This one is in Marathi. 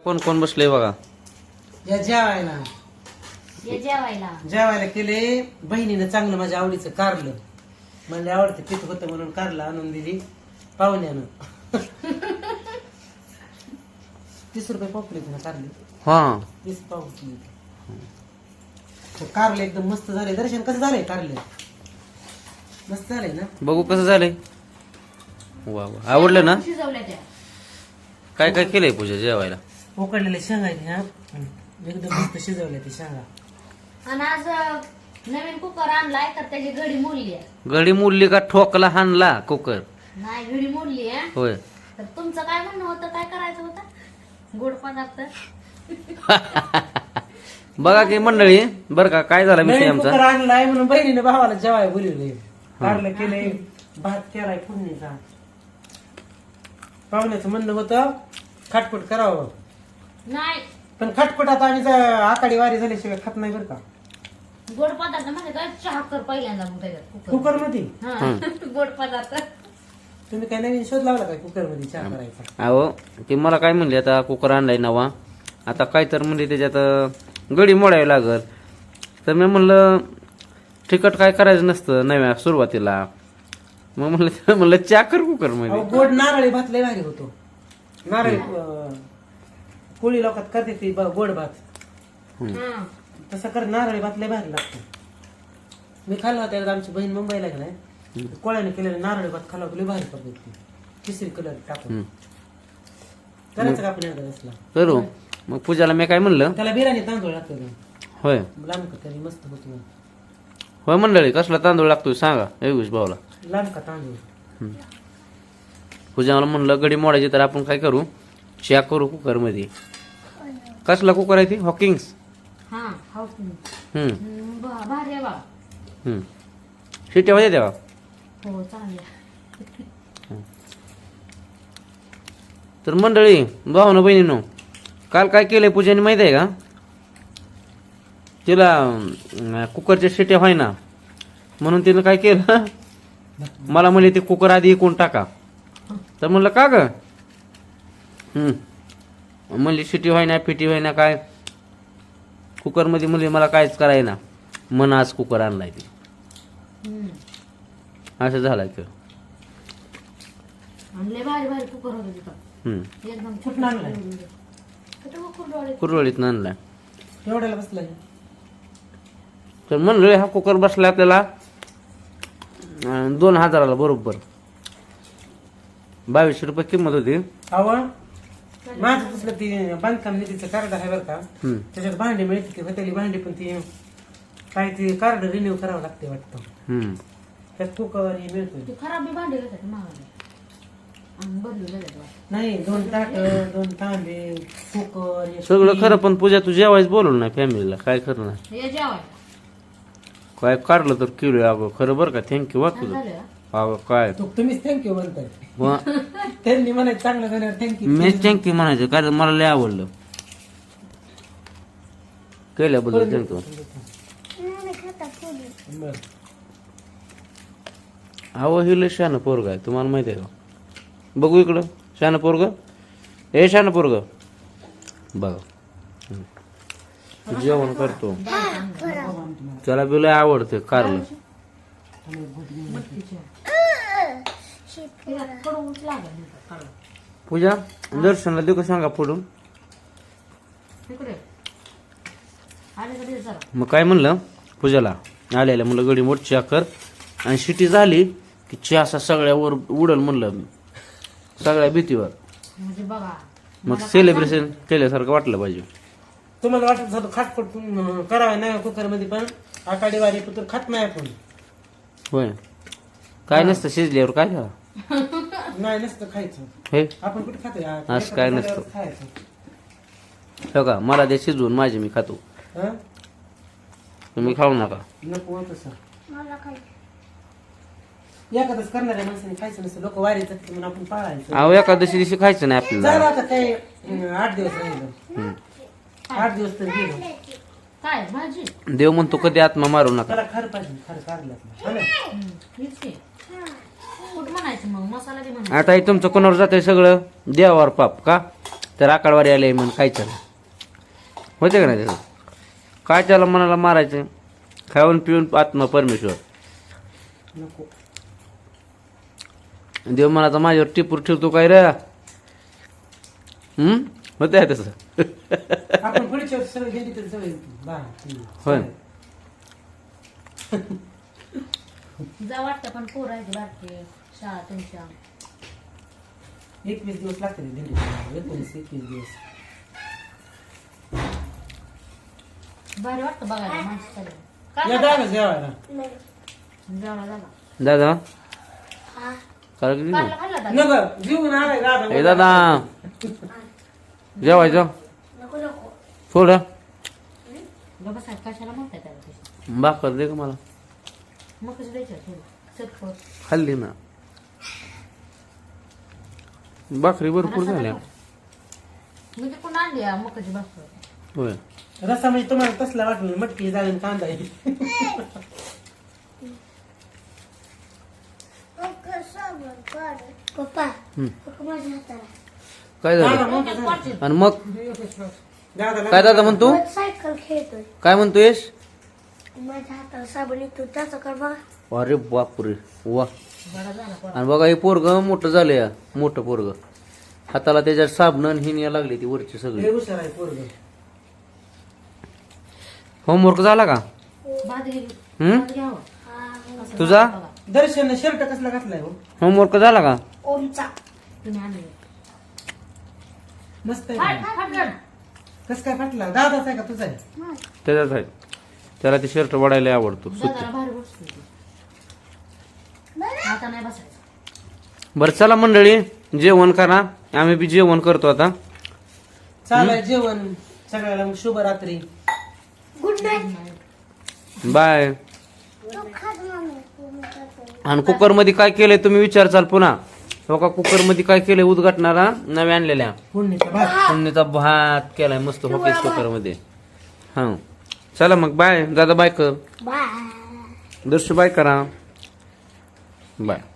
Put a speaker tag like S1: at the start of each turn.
S1: कोण कोण बसले बघा.
S2: या जेवायला जेवायला केले. बहिणीनं चांगलं माझ्या आवडीचं कारलं म्हणले आवडतं पित होतं म्हणून कारलं आणून दिली पाहुण्यानं. 30 रुपये पॉपलेट ना कारली.
S1: हा
S2: 30 पाव कारले एकदम मस्त झाले. दर्शन कसं झालंय कारले? मस्त झालंय ना?
S1: बघू कसं झालंय. वा वा आवडलं ना? काय काय केलंय पूजा जेवायला?
S2: उकडलेले शेंगा आहेत ह्या एकदम मस्त शिजवले ते शेंगा.
S3: आणि आज नवीन कुकर आणलाय तर त्याची घडी मोडली आहे.
S1: घडी मुरली का ठोकला हाणला कुकर?
S3: नाही घडी मोडली आहे.
S1: होय.
S3: तर तुमचं काय म्हणणं होतं? काय करायचं होतं? गोड पदार्थ.
S1: बघा की मंडळी बर का काय झालं विषय
S2: नवीन कुकर
S1: आमचा.
S2: आणलाय म्हणून बहिणीने भावाला जेवाय बोलवले. कारलं केले, भात केलाय फोडणीचा. पाहुण्याचं म्हणणं होतं खाटपट करावं
S3: नाही
S2: पण खाटपट आता आम्ही आकाडी वारी झाल्याशिवाय खात नाही बरं का.
S3: गोड पदार्थ म्हणजे काय चहा कर पहिल्यांदा मग त्याच्यात
S2: कुकर मध्ये
S3: हा. गोड पदार्थ.
S2: तुम्ही काय नवीन शोध लावला काय कुकर मध्ये चहा करायचा?
S1: अहो ते मला काय म्हणले आता कुकर आणलाय नवा आता काय तर म्हणजे त्याच्यात गडी मोडावी लागल. तर मी म्हणलं तिखट काय करायचं नसतं नव्या सुरुवातीला. मग म्हणलं चाकर कुकर मध्ये.
S2: गोड नारळी भात लय भारी होतो. नारळी कोळी लोकात करते ती गोड भात.
S3: हा.
S2: तसं कर नारळी भात लय भारी लागतो. मी खाल्ला होता एकदा. आमची बहीण मुंबईला गेलाय कोळ्याने केलेला नारळी भात खाल्ला लय भारी करतो. केसरी कलर टाकून करायचं का आपण एकदा असला
S1: करू. मग पूजाला मी काय म्हणलं
S2: त्याला बिर्याणी तांदूळ लागतो
S1: होय
S2: लांब का तरी मस्त होतो.
S1: होय मंडळी कसला तांदूळ लागतोय सांगा योगेश भाऊला.
S2: लांब का तांदूळ.
S1: पूजाला म्हणलं गडी मोडायची तर आपण काय करू चहा करू कुकर मध्ये. कसला कुकर आहे ती? हॉकिंग्स.
S3: हा हो. भारी आहे बा.
S1: शिट्या वाजते तेव्हा.
S3: हो चांगली.
S1: तर मंडळी भावना बहिणीनो काल काय केलंय पूजाने माहित आहे का? तिला कुकरच्या शिट्या व्हाय ना म्हणून तिनं काय केलं मला म्हणले ते कुकर आधी इकून टाका. तर म्हणलं का ग? म्हणली शिटी व्हाय ना फिटी व्हाय ना काय कुकर मध्ये म्हणले मला काहीच कराय ना मन आज कुकर आणलाय ते. असं झालंय ते.
S3: आणले भारी भारी कुकर होतं तिथं. एकदम
S2: कुठं आणलाय?
S1: कुरवळीत आणलाय.
S2: एवढ्याला बसलाय.
S1: तर म्हणलं हा कुकर बसला आपल्याला 2000 बरोबर. 2200 रुपये किंमत होती.
S2: अव माझं तसलं ती बांधकाम निधीचं कार्ड आहे बरं का. त्याच्यात भांडी मिळते ती होतेली भांडी पण ती काय ते कार्ड रिन्यू करावं लागते वाटतं. त्यात कुकर हे मिळतोय.
S3: खराब बी भांडे घेतात महागाने आणि बदलू लागतात.
S2: नाही 2 ताट 2 तांबे कुकर हे
S1: सगळं खरं पण पूजा तू जेवायच बोलवलं नाही फॅमिलीला काय करणार.
S3: हे जेवाय
S1: काय काढलं तर किलो अगं खरं बरं का. थँक्यू वा तुझं.
S3: झालं.
S1: अगं काय
S2: तुम्हीच थँक्यू म्हणताय.
S1: वा,
S2: त्यांनी म्हणायचं चांगलं झाल्यावर थँक्यू.
S1: मीच थँक्यू म्हणायचं कारण मला लय आवडलं केल्याबद्दल थँक्यू. अहो हे लय शहाणं पोरग आहे तुम्हाला माहिती आहे का? बघू इकडं शहाणं पोरग. हे शहाणं पोरग बघा जेवण करतो. त्याला बी लय आवडते कारलं. पूजा दर्शनला देऊ का सांगा फोडून. मग काय म्हणलं पूजाला आलेल्या म्हणलं गडी मोठ चहा कर आणि शिटी झाली की चहा असा सगळ्यावर उडल म्हणलं मी सगळ्या भीतीवर.
S3: म्हणजे बघा
S1: मग सेलिब्रेशन केल्यासारखं वाटलं पाहिजे.
S2: तुम्हाला वाटत होतं खाटपट करावं नाही कुकर मध्ये पण आकाडी वारी पुत्र खात नाही आपण.
S1: होय काय नसतं शिजल्यावर काय झालं
S2: नाही नसतं खायचं.
S1: हे
S2: आपण कुठे खातोय
S1: असं काय नसतं.
S2: खायचं
S1: हो का मला ते शिजवून माझे मी खातो
S2: हं?
S1: तुम्ही खाऊ नका.
S2: नको तसं एखादंच करणाऱ्या माणसाने खायचं नसतं. लोक वारी जातात म्हणून आपण पाळायचं.
S1: अहो एकादशी दिवशी खायचं नाही
S2: झालं
S1: आपल्याला.
S2: आता काय 8 दिवस राहिलं. 8 दिवस तर गेलो.
S3: काय भाजी
S1: देव म्हणतो कधी आत्मा मारू नका.
S2: त्याला खरं पाहिजे खरं काढलं
S3: हीच की. कुठं म्हणायचं मग मसाला बी म्हणायचं.
S1: आता हे तुमचं कोणावर जातंय सगळं देवावर पाप का तर आकडवारी आले म्हणून काय चाल होते का नाही त्याचं काय त्याला मनाला मारायचं खाऊन पिऊन आत्मा परमेश्वर
S2: नको
S1: देव म्हणाचा माझ्यावर टिपूर ठेवतो काय रे होते आहे तसं
S2: आपण पुढच्या वर्षी सगळं गेली तरी सगळं
S1: होय.
S3: जा वाटतं पण पोर आहे बारके शाळा तुमच्या
S2: 21 दिवस लागते दिंडी 19-21 दिवस
S3: भारी वाटतं बघायला माणसं सगळं
S2: या
S3: काय
S2: दादा जेवायला
S3: झाला
S1: दादा काय किती
S3: कारला खाल्ला दादा?
S2: नको जीवन आलाय दादा
S1: ए दादा जेवायचं थोडं
S3: बाबा साहेब कशाला म्हणताय त्याला तशी?
S1: भाकर दे का मला
S3: मग कसं द्यायचं थोडं चटपट
S1: खाल्ली ना भाकरी भरपूर झाल्या
S3: मी तिकडून आणली मकाची भाकर
S1: होय
S2: रस्सा म्हणजे तुम्हाला कसला वाटलं मटकी जाळून कांदा आहे.
S4: पप्पा
S1: हम्म.
S4: माझ्या हाताला
S1: काय
S2: दादा
S1: झालं
S2: मोठं झालं.
S1: आणि मग
S2: दादा
S1: काय दादा म्हणतो
S4: सायकल खेळतोय
S1: काय म्हणतोयस
S4: माझ्या हाताला साबण येतो त्याचा कर बघा
S1: अरे बापरे वा
S3: बरा झाला पोरा.
S1: आणि बघा हे पोरग मोठं झालंय मोठं पोरग हाताला त्याच्यात साबण हिन या लागली ती वरची
S2: लय
S1: सगळी
S2: हुशार आहे पोरगं.
S1: होमवर्क झाला का
S3: भात गेली
S1: हम्म
S3: भात घ्यावं असं
S1: तुझा
S3: बघा.
S2: दर्शन शर्ट कसला घातलाय हो
S1: होमवर्क झाला का
S4: ओमचा
S3: तुम्ही आणले
S2: मस्त आहे
S3: फाट फाट फाट.
S2: कस काय फाटला दादाच आहे का तुझा आहे
S1: त्याच्यात आहे त्याला ते शर्ट वाढायला आवडतो
S3: दादाला भारी बसतो ती. आता नाही बसायचं
S1: बरं चला मंडळी जेवण करा आम्ही बी जेवण करतो आता
S2: चालाय जेवण सगळ्याला शुभरात्री
S4: गुड नाईट
S1: बाय
S4: तू खात मम्मी
S1: आणि कुकर मध्ये काय केलंय तुम्ही विचारचाल पुन्हा हो का कुकर मध्ये काय केलंय उद्घाटनाला नव्या आणलेल्या
S2: पुण्यचा भात
S1: फोडणीचा भात केलाय मस्त हॉकेस कुकर मध्ये हा चला मग बाय दादा बाय कर
S4: बाय
S1: दर्शू बाय करा बाय